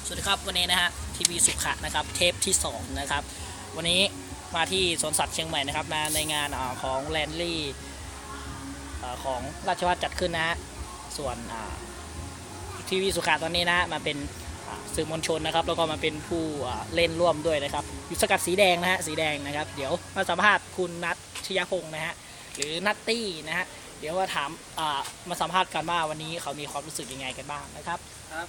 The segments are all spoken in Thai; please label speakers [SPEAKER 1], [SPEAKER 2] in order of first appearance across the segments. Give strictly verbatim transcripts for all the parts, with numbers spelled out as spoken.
[SPEAKER 1] สวัสดีครับวันนี้นะฮะทีวีสุขะนะครับเทปที่สองนะครับวันนี้มาที่สวนสัตว์เชียงใหม่นะครับมาในงานอของแลนลี่ของราชวัฒจัดขึ้นนะฮะส่วนทีวีสุขะตอนนี้นะมาเป็นสื่อมวลชนนะครับแล้วก็มาเป็นผู้เล่นร่วมด้วยนะครับอยู่สกัดสีแดงนะฮะสีแดงนะครับเดี๋ยวมาสัมภาษณ์คุณนัทชยพงศ์นะฮะหรือนัตตี้นะฮะเดี๋ยวมาถามมาสัมภาษณ์กันว่าวันนี้เขามีความรู้สึกยังไงกันบ้างนะครับ
[SPEAKER 2] ครับ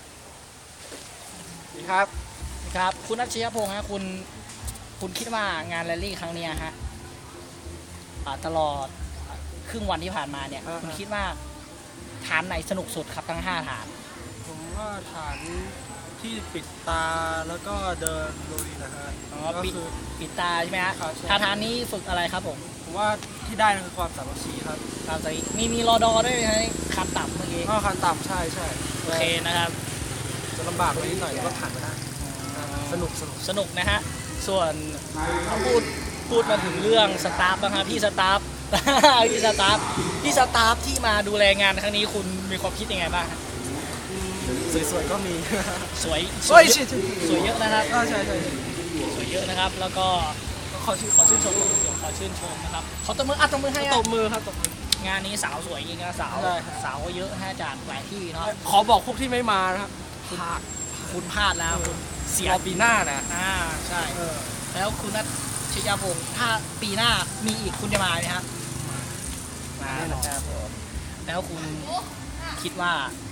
[SPEAKER 2] ครับ
[SPEAKER 1] ครับคุณนัทชยพงศ์ฮะคุณคุณคิดว่างานแรลลี่ครั้งนี้ฮะตลอดครึ่งวันที่ผ่านมาเนี่ยคุณคิดว่าฐานไหนสนุกสุดครับทั้งห้าฐาน
[SPEAKER 2] ผมว่าฐานที่ปิดตาแล้วก็เดินลุยนะฮะ
[SPEAKER 1] อ๋อปิดปิดตาใช่ไหมฮะฐานนี้ฝึกอะไรครับผม
[SPEAKER 2] ผมว่าที่ได้คือความสามัคคีครับ
[SPEAKER 1] ความสามัคคีมีมีรอดอด้วยไหมคันต่ำเมื่อกี้
[SPEAKER 2] อ๋อคันต่ำใช่ใช่
[SPEAKER 1] โอเคนะครับ
[SPEAKER 2] จะลำบากไปนิดหน่อยก็ผ่านมาได้สนุกสนุก
[SPEAKER 1] สนุกนะฮะส่วนเขาพูดพูดมาถึงเรื่องสตาฟบ้างครับพี่สตาฟพี่สตาฟพี่สตาฟที่มาดูแลงานครั้งนี้คุณมีความคิดยังไงบ้าง
[SPEAKER 2] สวยๆก็มี
[SPEAKER 1] สวย
[SPEAKER 2] สวย
[SPEAKER 1] สวยเยอะนะครับ
[SPEAKER 2] ใช่ใช่
[SPEAKER 1] สวยเยอะนะครับแล้วก็ขอชื่นขอชื่นชมขอชื่นชมนะครับขอตบมืออัดตบมือให้
[SPEAKER 2] ตบมือครับตบมื
[SPEAKER 1] องานนี้สาวสวยจริงนะสาวสาวเยอะฮะจากหลายที่เนาะ
[SPEAKER 2] ขอบอกพวกที่ไม่มานะครับ
[SPEAKER 1] พลาดคุณพลาดแล้วคุณ
[SPEAKER 2] เสียปีหน้านะ
[SPEAKER 1] อ่าใช่แล้วคุณนัทชยพงศ์ถ้าปีหน้ามีอีกคุณจะมาไหมครับมาครับแล้วคุณคิดว่า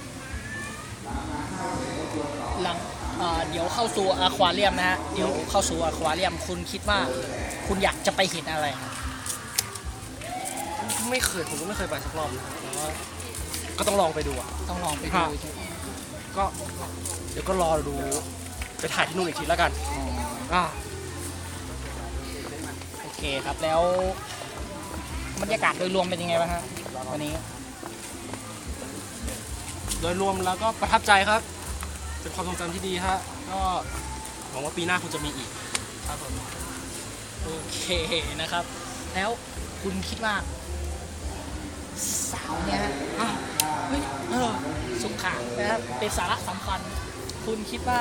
[SPEAKER 1] หลังเดี๋ยวเข้าสู่อควาเรียมนะฮะเดี๋ยวเข้าสู่อควาเรียมคุณคิดว่าคุณอยากจะไปเห็นอะไรครับ
[SPEAKER 2] ไม่เคยผมก็ไม่เคยไปสักรอบนะแต่ว่าก็ต้องลองไปดูอ่ะ
[SPEAKER 1] ต้องลองไปดู
[SPEAKER 2] ก็เดี๋ยวก็รอดูไปถ่ายที่นู่นอีกทีแล้วกันอ่า
[SPEAKER 1] โอเคครับแล้วบรรยากาศโดยรวมเป็นยังไงบ้างฮะวันนี้
[SPEAKER 2] โดยรวมแล้วก็ประทับใจครับเป็นความทรงจำที่ดีฮะก็หวังว่าปีหน้าคุณจะมีอีกครับผม
[SPEAKER 1] โอเคนะครับแล้วคุณคิดว่าสาวเนี่ยฮะเฮ้ยเออสุขะนะครับเป็นสาระสำคัญคุณคิดว่า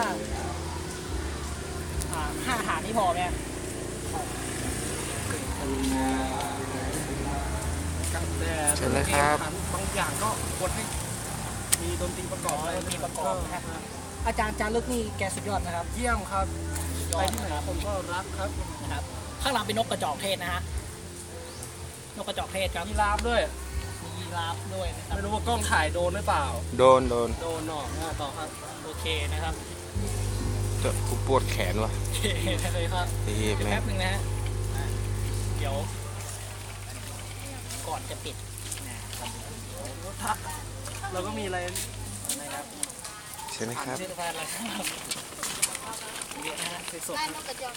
[SPEAKER 1] ห้าฐานนี้พอไหม
[SPEAKER 2] ใช่เลยครับบางอย่างก็ควรให้มีดนตรีประกอบ
[SPEAKER 1] ดนตรีประกอบนะอาจารย์จารึกนี่แกสุดยอดนะครับ
[SPEAKER 2] เยี่ยมครับไปที่ไหนผมก็รักครับ
[SPEAKER 1] นะครับข้างหลังเป็นนกกระจอกเทศนะฮะนกกระจอกเทศครับ
[SPEAKER 2] มีลาบด้วย
[SPEAKER 1] มีลาบด้วยนะครับ
[SPEAKER 2] ไม่รู้ว่ากล้องถ่ายโดนหรือเปล่า
[SPEAKER 3] โดนโดน
[SPEAKER 2] โดนหนอกต่อครับ
[SPEAKER 1] โอเคนะครับ
[SPEAKER 3] จะกูปวดแขนว่ะ
[SPEAKER 1] โอเคเลยครับ
[SPEAKER 3] ดี
[SPEAKER 1] แป๊บนึงนะฮะเดี๋ยวก่อนจะปิดนะครับ
[SPEAKER 2] เราก็มีอะไร
[SPEAKER 1] นะครับ
[SPEAKER 3] ใช่ไหมครับ
[SPEAKER 1] เสื้อผ้าอะไรครับเยอะนะฮะสด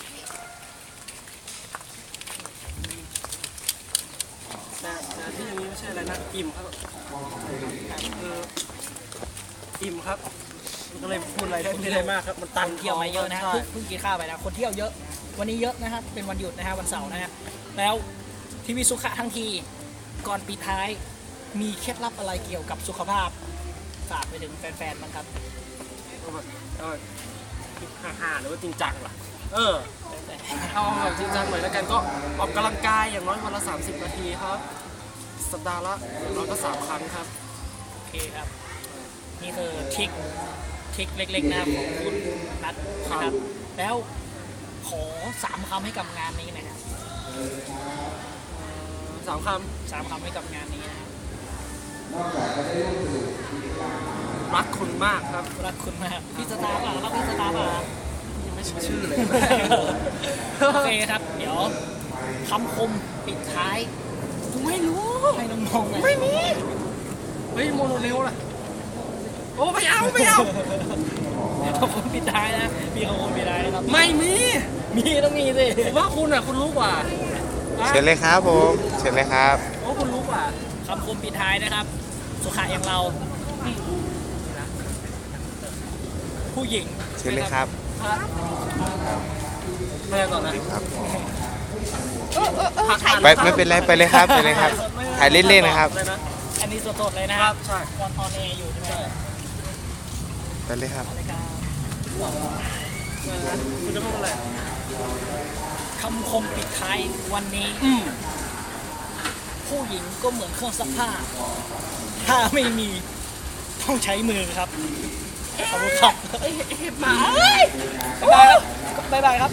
[SPEAKER 2] แต่ที่นี้ไม่ใช่อะไรนะอิ่มครับคืออิ่มครับก็เลยพูดอะไรได้ไม่ได้มากครับมันตัน
[SPEAKER 1] เที่ยวมาเยอะนะฮะเพิ่งกินข้าวไปนะคนเที่ยวเยอะวันนี้เยอะนะครับเป็นวันหยุดนะฮะวันเสาร์นะฮะแล้วทีวีสุขะทั้งทีก่อนปิดท้ายมีเคล็ดลับอะไรเกี่ยวกับสุขภาพฝากไปถึงแฟนๆบ้างครับ
[SPEAKER 2] เออฮ่าๆหรือว่าจริงจังล่ะเออเอาแบบจริงจังหน่อยแล้วกันก็ออกกำลังกายอย่างน้อยวันละสามสิบนาทีครับสัปดาห์ละอย่างน้อยก็สามครั้งครับ
[SPEAKER 1] โอเคครับนี่คือทริคทริคเล็กๆนะของคุณนัทนะครับแล้วขอสามคำให้กับงานนี้นะครับ
[SPEAKER 2] สามคำ
[SPEAKER 1] สามคำให้กับงานนี้นะครับ
[SPEAKER 2] รักคุณมากครับ
[SPEAKER 1] รักคุณมากพี่สตาร์ป่ะรักพี่สตาร์ป่ะ
[SPEAKER 2] ยังไม่ชื่อเลย
[SPEAKER 1] โอเคครับเดี๋ยวคำคมปิดท้าย
[SPEAKER 2] ไม่รู้
[SPEAKER 1] ให้น้องๆ
[SPEAKER 2] ไม่มีเฮ้ยโมโนเรลล่ะโอ้ไม่เอาไม่เอา
[SPEAKER 1] คำคมปิดท้ายนะมีคำคมปิดท้ายนะครับ
[SPEAKER 2] ไม่มี
[SPEAKER 1] มีต้องมีสิ
[SPEAKER 2] ผมว่าคุณอ่ะคุณรู้กว่า
[SPEAKER 3] เชิญเลยครับผมเชิญเลยครับ
[SPEAKER 2] โอ้คุณรู้กว่า
[SPEAKER 1] คำคมปิดท้ายนะครับสุขะอย่างเราผู้หญิง
[SPEAKER 3] เชิญเลยครับ
[SPEAKER 2] ไม่ต่อนะครับ
[SPEAKER 3] ไปไม่เป็นไรไปเลยครับไปเลยครับถ่ายเล่นๆนะครับ
[SPEAKER 1] อันนี้สดๆเลยนะครับตอนตอนเออยู่ใช่ไหม
[SPEAKER 3] ไปเลยครับ
[SPEAKER 2] คุณจะพูดอะไร
[SPEAKER 1] คำคมปิดท้ายวันนี้
[SPEAKER 2] อืม
[SPEAKER 1] ผู้หญิงก็เหมือนเครื่องซักผ้า ถ้าไม่มีต้องใช้มือครับ ขอบคุณครับ
[SPEAKER 2] เห็บหมา
[SPEAKER 1] บ๊ายบายครับบ๊ายบายครับ